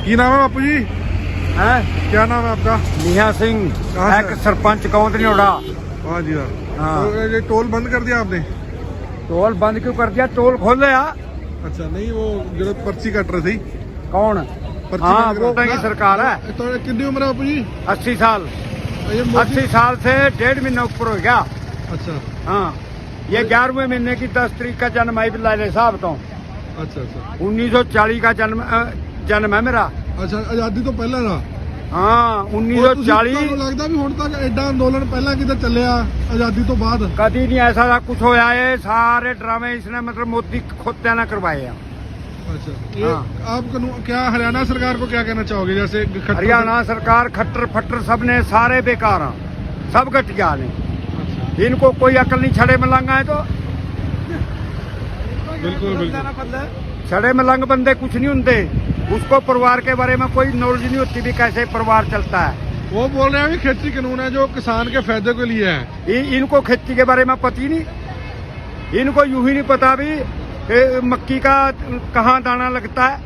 की नाम है बापू जी? है क्या नाम है आपका? निहा सिंह, कहाँ से? एक सरपंच कौंदनियोड़ा। हाँ जी हाँ। हाँ। तो ये टोल बंद कर दिया आपने? टोल बंद क्यों कर दिया? टोल खोल लिया। अच्छा नहीं, वो जो पर्ची कट रही थी। कौन? पर्ची हाँ, कट वो रहा- की सरकार है। तो कितनी उम्र है बापू जी? 80 साल। ये मोदी- 80 साल से 1.5 महीना ऊपर हो गया। अच्छा हाँ, ये 11वें महीने की 10 तारीख का जन्म है बिल्ला साहब तो। अच्छा अच्छा 1940 का जन्म है मेरा। अच्छा, आजादी तो पहला था। हाँ, 1940। ਤੁਹਾਨੂੰ ਲੱਗਦਾ ਵੀ ਹੁਣ ਤੱਕ ਐਡਾ ਅੰਦੋਲਨ ਪਹਿਲਾਂ ਕਿਤੇ ਚੱਲਿਆ ਆਜ਼ਾਦੀ ਤੋਂ ਬਾਅਦ? कभी नहीं ऐसा कुछ होया है। सारे ड्रामे इसने मतलब मोदी खुद ना करवाए हैं। अच्छा, ये हाँ। आप क्या हरियाणा सरकार को क्या कहना चाहोगे? जैसे हरियाणा सरकार खट्टर फट्टर सब ने सारे बेकार हैं, सब घटिया ने। अच्छा, इनको कोई अकल नहीं। छड़े मलंग है तो बिल्कुल बिल्कुल। छड़े मलंग बंदे कुछ नहीं होते। उसको परिवार के बारे में कोई नॉलेज नहीं होती भी कैसे परिवार चलता है। वो बोल रहे हैं कि खेती कानून है जो किसान के फायदे के लिए है। इनको खेती के बारे में पता ही नहीं। इनको यूं ही नहीं पता भी मक्की का कहाँ दाना लगता है।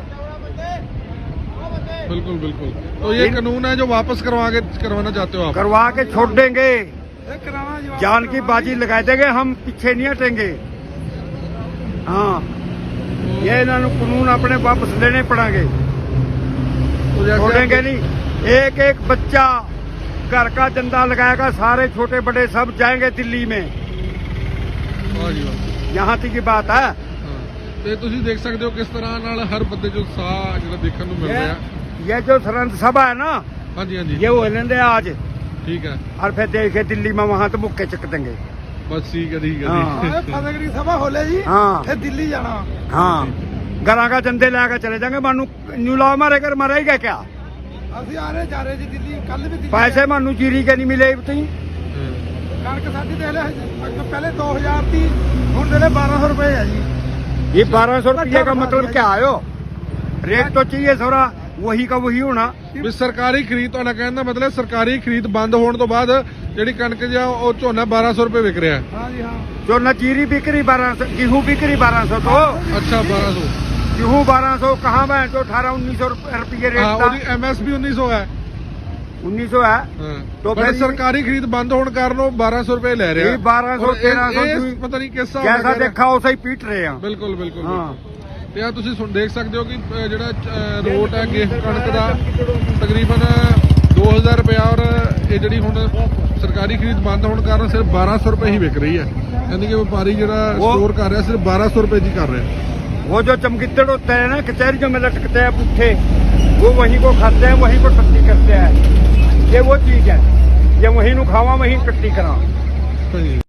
बिल्कुल बिल्कुल। तो ये कानून है जो वापस करवाना चाहते हो आप? करवा के छोड़ देंगे, जान की बाजी लगा देंगे, हम पीछे नहीं हटेंगे। हाँ, ये इन्होंने कानून अपने वापस लेने पड़ेंगे, तो जैसे छोड़ेंगे नहीं। एक एक बच्चा घर का चंदा लगाएगा, सारे छोटे बड़े सब जाएंगे दिल्ली में। वाह जी वाह। यहाँ तक की बात है। ਤੇ ਤੁਸੀਂ ਦੇਖ ਸਕਦੇ ਹੋ ਕਿਸ ਤਰ੍ਹਾਂ ਨਾਲ ਹਰ ਬੰਦੇ ਜੋ ਉਤਸ਼ਾਹ ਜਿਹੜਾ ਦੇਖਣ ਨੂੰ ਮਿਲ ਰਿਹਾ। ये जो सरहद सभा है ना, ਹਾਂਜੀ ਹਾਂਜੀ ये वो लेंगे आज ਠੀਕ ਹੈ। और फिर देखे दिल्ली में वहां तो मुक्के चक देंगे। ਬਸ ਠੀਕ ਹੈ ਠੀਕ ਹੈ हाँ। ਜੀ। फतेहगढ़ सभा होले जी, हाँ फिर दिल्ली जाना। हाँ, घरा का चंदे लेकर चले जाएंगे। मानू न्यू लाओ मारे कर मरेगा क्या? ਅਸੀਂ ਆ ਰਹੇ ਜਾ ਰਹੇ ਜੀ ਦਿੱਲੀ, ਕੱਲ ਵੀ ਦਿੱਲੀ पैसे मानू जीरी के नहीं मिले तुम। ਕਣਕ ਸਾਡੀ ਦੇ ਲੈ ਪਹਿਲੇ 2000 ਦੀ, ਹੁਣ ਦੇ 1200 ਰੁਪਏ ਹੈ ਜੀ। ये 1200 रुपये का मतलब क्या आयो? रेट तो चाहिए थोड़ा वही का वही होना। ਵੀ ਸਰਕਾਰੀ ਖਰੀਦ ਤੁਹਾਡਾ ਕਹਿਣ ਦਾ ਮਤਲਬ ਸਰਕਾਰੀ ਖਰੀਦ ਬੰਦ ਹੋਣ ਤੋਂ ਬਾਅਦ ਜਿਹੜੀ ਕਣਕ ਜਾਂ ਉਹ ਝੋਨਾ 1200 ਰੁਪਏ ਵਿਕ ਰਿਹਾ ਹੈ। ਹਾਂ ਜੀ ਹਾਂ। जो न जीरी बिक रही 1200, गेहूँ बिक रही 1200। तो ਅੱਛਾ 1200। गेहूँ 1200 कहाँ में जो 1800-1900 रुपये रेट ਹਾਂ था। ਉਹਦੀ MSP 1900 ਹੈ। 1900 है। ਹਾਂ तो ਪਰ फिर ਸਰਕਾਰੀ ਖਰੀਦ ਬੰਦ ਹੋਣ ਕਾਰਨ ਉਹ 1200 ਰੁਪਏ ਲੈ ਰਿਹਾ। ਇਹ 1200 ਔਰ ਇਹ- 1300 ਇਹ ਪਤਾ ਨਹੀਂ ਕਿਸ ਹਿਸਾਬ ਨਾਲ जैसा ਕਰ ਰਿਹਾ। देखा वैसा ही पीट रहे हैं। ਬਿਲਕੁਲ ਬਿਲकुल। हाँ, ਤੇ ਆ ਤੁਸੀਂ ਦੇਖ ਸਕਦੇ ਹੋ ਕਿ ਜਿਹੜਾ ਰੋਟ ਹੈ ਗੇਹੂੰ ਕਣਕ ਦਾ ਤਕਰੀਬਨ 2000 ਰੁਪਇਆ, ਔਰ ਇਹ ਜਿਹੜੀ ਹੁਣ ਸਰਕਾਰੀ ਖਰੀਦ ਬੰਦ ਹੋਣ ਕਾਰਨ ਸਿਰਫ 1200 ਰੁਪਏ ਹੀ ਵਿਕ ਰਹੀ ਹੈ। ਯਾਨੀ ਕਿ ਵਪਾਰੀ ਜਿਹੜਾ ਉਹ- ਸਟੋਰ ਕਰ ਰਿਹਾ ਸਿਰਫ 1200 ਰੁਪਏ ਦੀ ਕਰ ਰਿਹਾ। वो जो चमगिद्दड़ होते हैं ना कचहरियों में लटकते हैं पुट्ठे, वो वहीं को खाते हैं, वहीं को टट्टी करते हैं। ये वो चीज है, ये वहीं नु खावा वहीं टट्टी करा। ਹਾਂਜੀ।